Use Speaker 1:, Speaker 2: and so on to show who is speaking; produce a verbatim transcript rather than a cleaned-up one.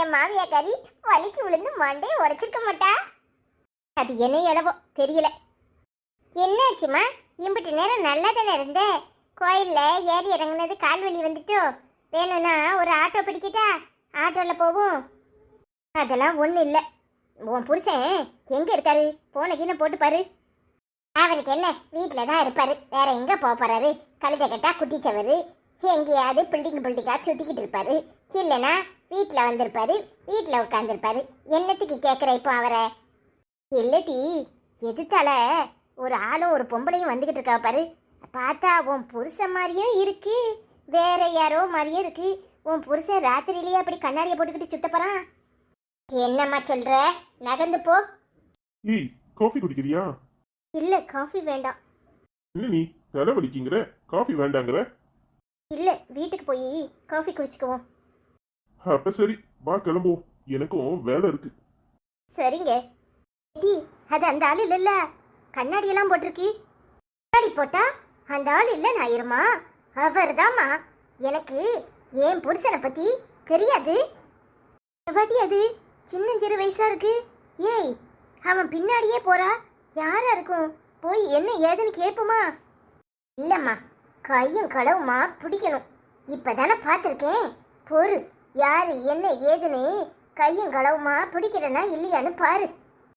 Speaker 1: என் மாமியாக்காரி வலிக்கு விழுந்து மண்டையை உடைச்சிருக்க மாட்டா. அது என்ன இளவோ தெரியல. என்னாச்சுமா? இம்பிட்டு நேரம் நல்லா தானே இருந்த. கோயிலில் ஏறி இறங்குனது கால் வலி வந்துட்டோ? வேணும்னா ஒரு ஆட்டோ பிடிக்கிட்டா? ஆட்டோவில் போவோம். அதெல்லாம் ஒன்றும் இல்லை. உன் புருஷன் எங்கே இருக்காரு? போன கீழே போட்டு பாரு. அவருக்கு என்ன, வீட்டில் தான் இருப்பாரு. வேற எங்கே போக போறாரு? கழுதை கட்டா குட்டிச்சவரு எங்கேயாவது பில்டிங் பில்டிங்காக சுற்றிக்கிட்டு இருப்பாரு. இல்லைன்னா வீட்டில் வந்திருப்பாரு, வீட்டில் உட்காந்துருப்பாரு. என்னத்துக்கு கேட்குற இப்போ அவரை? இல்லட்டி எதுத்தால ஒரு ஆளும் ஒரு பொம்பளையும் வந்துக்கிட்டு இருக்கா பாரு. பார்த்தா உன் புருஷன் மாதிரியும் இருக்கு, வேற யாரோ மாதிரியும் இருக்கு. உன் புருஷன் ராத்திரியிலேயே அப்படி கண்ணாடியை போட்டுக்கிட்டு சுத்த போறான். என்னம்மா சொல்ற? நகர்ந்து போ.
Speaker 2: ஏய், காஃபி குடிக்கிறியா?
Speaker 1: இல்ல, காஃபி வேண்டாம்.
Speaker 2: என்ன நீ தலை வலிக்குங்கிற, காஃபி வேண்டாங்கிற?
Speaker 1: இல்ல, வீட்டுக்கு போய் காஃபி குடிச்சுக்குவோம்.
Speaker 2: அப்ப சரி, வா கிளம்புவோம். எனக்கும் வேலை இருக்கு.
Speaker 1: சரிங்க. டி, அது அந்த ஆள் இல்லைல்ல, கண்ணாடியெல்லாம் போட்டிருக்கு. கண்ணாடி போட்டா அந்த ஆள் இல்லை நாயிருமா? அவர் தாம்மா. எனக்கு என் புருஷனை பத்தி தெரியாது. எவாட்டி அது சின்னஞ்சிறு வயசா இருக்கு. ஏய், அவன் பின்னாடியே போறா. யாரா இருக்கும்? போய் என்ன ஏதுன்னு கேட்போமா? இல்லம்மா, கையும் களவுமா பிடிக்கணும். இப்பதானே பார்த்துருக்கேன். பொறு, யாரு என்ன ஏதுன்னு கையும் களவுமா பிடிக்கிறனா இல்லையான்னு பாரு.